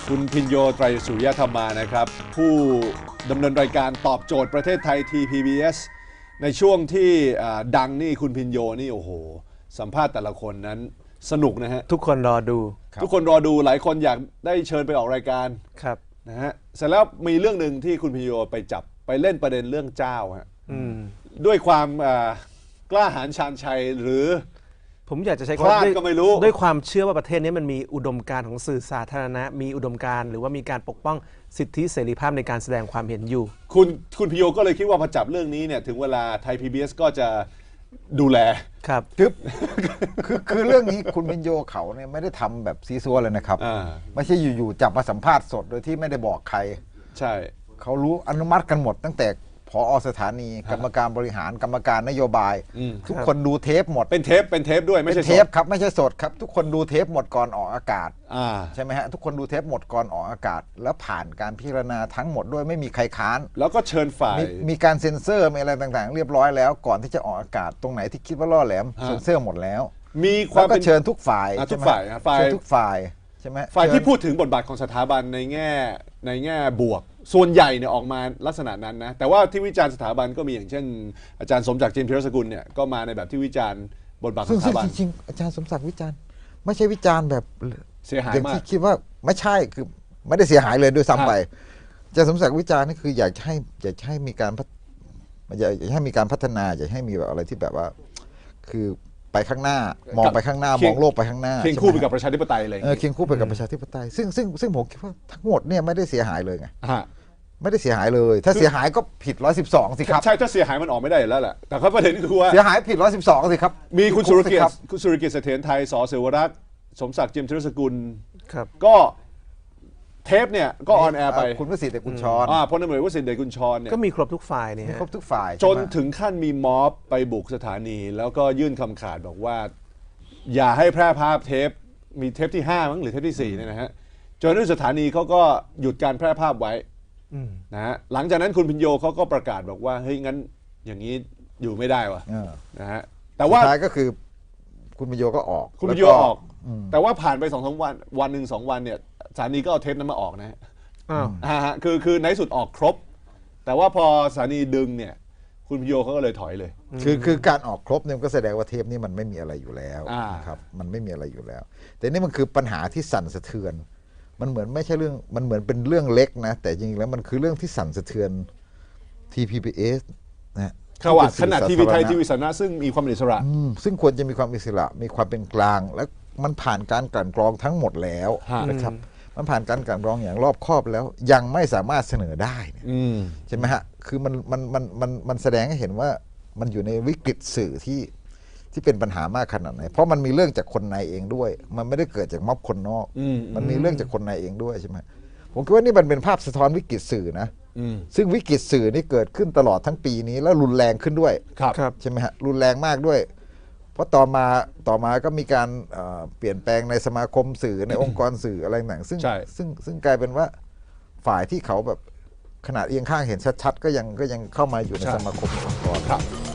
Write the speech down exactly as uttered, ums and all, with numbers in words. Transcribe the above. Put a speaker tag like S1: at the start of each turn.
S1: คุณพิญโยไตรสุริยธรรมานะครับผู้ดำเนินรายการตอบโจทย์ประเทศไทย ที พี บี เอส ในช่วงที่ดังนี่คุณพิญโยนี่โอ้โหสัมภาษณ์แต่ละคนนั้นสนุกนะฮะ
S2: ทุกคนรอดู
S1: ทุกคนรอดูหลายคนอยากได้เชิญไปออกรายการ
S2: ครับ
S1: นะฮะเสร็จแล้วมีเรื่องหนึ่งที่คุณพิญโยไปจับไปเล่นประเด็นเรื่องเจ้าฮะด้วยความกล้าหาญชาญชัยหรือ
S2: ผมอยากจะใช้
S1: คำว่าก็ไม่รู้
S2: ด้วยความเชื่อว่าประเทศนี้มันมีอุดมการณ์ของสื่อสาธารณะมีอุดมการณ์หรือว่ามีการปกป้องสิทธิเสรีภาพในการแสดงความเห็นอยู่
S1: คุณคุณพิโยก็เลยคิดว่าพอจับเรื่องนี้เนี่ยถึงเวลาไทย พี บี เอส ก็จะดูแล
S2: ครับ
S3: คือคือคือเรื่องนี้คุณพิญโยเขาเนี่ยไม่ได้ทำแบบซีซัวเลยนะครับไม่ใช่อยู่ๆจับมาสัมภาษณ์สดโดยที่ไม่ได้บอกใคร
S1: ใช่
S3: เขารู้อนุมัติกันหมดตั้งแต่ผอ.สถานีกรรมการบริหารกรรมการนโยบายทุกคนดูเทปหมด
S1: เป็นเทปเป็นเทปด้วยไม่ใช่
S3: เทปครับไม่ใช่สดครับทุกคนดูเทปหมดก่อนออกอากาศใช่ไหมฮะทุกคนดูเทปหมดก่อนออกอากาศแล้วผ่านการพิจารณาทั้งหมดด้วยไม่มีใครค้าน
S1: แล้วก็เชิญฝ่าย
S3: มีการเซ็นเซอร์มีอะไรต่างๆเรียบร้อยแล้วก่อนที่จะออกอากาศตรงไหนที่คิดว่าล่อแหลมเซ็นเซอร์หมดแล้ว
S1: มีความ
S3: ก็เชิญทุกฝ่าย
S1: ทุกฝ่ายฝ่าย
S3: ทุกฝ่ายใช่ไหม
S1: ฝ่ายที่พูดถึงบทบาทของสถาบันในแง่ในแง่บวกส่วนใหญ่เนี่ยออกมาลักษณะนั้นนะแต่ว่าที่วิจารณ์สถาบันก็มีอย่างเช่นอาจารย์สมศักดิ์ เจนพิรสกุลเนี่ยก็มาในแบบที่วิจารณ์บทบาทของสถาบัน
S3: จริงๆอาจารย์สมศักดิ์วิจารณ์ไม่ใช่วิจารณ์แบบ
S1: เสียหายมาก
S3: ที่คิดว่าไม่ใช่คือไม่ได้เสียหายเลยด้วยซ้ำไปอาจารย์สมศักดิ์วิจารณ์นี่คืออยากให้อยากให้มีการอยากให้มีการพัฒนาอยากให้มีแบบอะไรที่แบบว่าคือไปข้างหน้ามองไปข้างหน้ามองโลกไปข้างหน้า
S1: เคียงคู่ไปกับประชาธิปไตยเลย
S3: เคียงคู่ไปกับประชาธิปไตยซึ่งซึ่งซึ่งผมคิดว่าทั้งหมดเนี่ยไม่ได้เสียหายเลยไงไม่ได้เสียหายเลยถ้าเสียหายก็ผิดร้อยสิบสองสิครับ
S1: ใช่ถ้าเสียหายมันออกไม่ได้แล้วแหละแต่ข้อประเด็นคือว่า
S3: เสียหายผิดร้อยสิบสองสิครับ
S1: มีคุณสุรเกียรติคุณสุรเกียรติเสถียรไทยส.เสวรักษ์สมศักดิ์ เจียมธีรสกุลก็เทปเนี่ยก็ออนแอร์ไป
S3: คุณวสิทธิ์เดชกุลชร
S1: พลตำรวจวสิทธิ์เดชกุลชรเนี่ย
S2: ก็มีครบทุกฝ่ายเนี่ย
S3: ครบทุกฝ่าย
S1: จนถึงขั้นมีม็อบไปบุกสถานีแล้วก็ยื่นคำขาดบอกว่าอย่าให้แพร่ภาพเทปมีเทปที่ห้ามั้งหรือเทปที่สี่เนี่ยนะฮะจนที่สถานีเขาก็หยุดการแพร่ภาพไว้นะฮะหลังจากนั้นคุณพิญโยเขาก็ประกาศบอกว่าเฮ้ยงั้นอย่างนี้อยู่ไม่ได้ว่ะนะฮะ
S3: แต่ว่าท้ายก็คือคุณพิญโยก็ออก
S1: คุณพิญโยออกแต่ว่าผ่านไปสองสามวันวันหนึ่งสองวันเนี่ยสถานีก็เอาเทปนั้นมาออกนะฮะอ่าคือคือในสุดออกครบแต่ว่าพอสถานีดึงเนี่ยคุณพิญโยเขาก็เลยถอยเลย
S3: คือคือการออกครบเนี่ยก็แสดงว่าเทปนี้มันไม่มีอะไรอยู่แล้วครับมันไม่มีอะไรอยู่แล้วแต่นี่มันคือปัญหาที่สั่นสะเทือนมันเหมือนไม่ใช่เรื่องมันเหมือนเป็นเรื่องเล็กนะแต่จริงๆแล้วมันคือเรื่องที่สั่นสะเทือน ที พี บี เอส นะ
S1: ขนาดทีวีไทยทีวีสาธารณะซึ่งมีความอิสระ
S3: ซึ่งควรจะมีความอิสระมีความเป็นกลางและมันผ่านการกลั่นกรองทั้งหมดแล้วนะครับมันผ่านการกลั่นกรองอย่างรอบคอบแล้วยังไม่สามารถเสนอได้ใช่ไหมฮะคือมันมันมันมันมันแสดงให้เห็นว่ามันอยู่ในวิกฤตสื่อที่ที่เป็นปัญหามากขนาดไหนเพราะมันมีเรื่องจากคนในเองด้วยมันไม่ได้เกิดจากม็อบคนนอกมันมีเรื่องจากคนในเองด้วยใช่ไหมผมคิดว่านี่มันเป็นภาพสะท้อนวิกฤตสื่อนะซึ่งวิกฤตสื่อนี่เกิดขึ้นตลอดทั้งปีนี้แล้วรุนแรงขึ้นด้วยใช่ไหมฮะรุนแรงมากด้วยเพราะต่อมาต่อมาก็มีการเปลี่ยนแปลงในสมาคมสื่อในองค์กรสื่ออะไรต่างซึ่งซึ่งซึ่งกลายเป็นว่าฝ่ายที่เขาแบบขนาดเอียงข้างเห็นชัดๆก็ยังก็ยังเข้ามาอยู่ในสมาคมองค์กร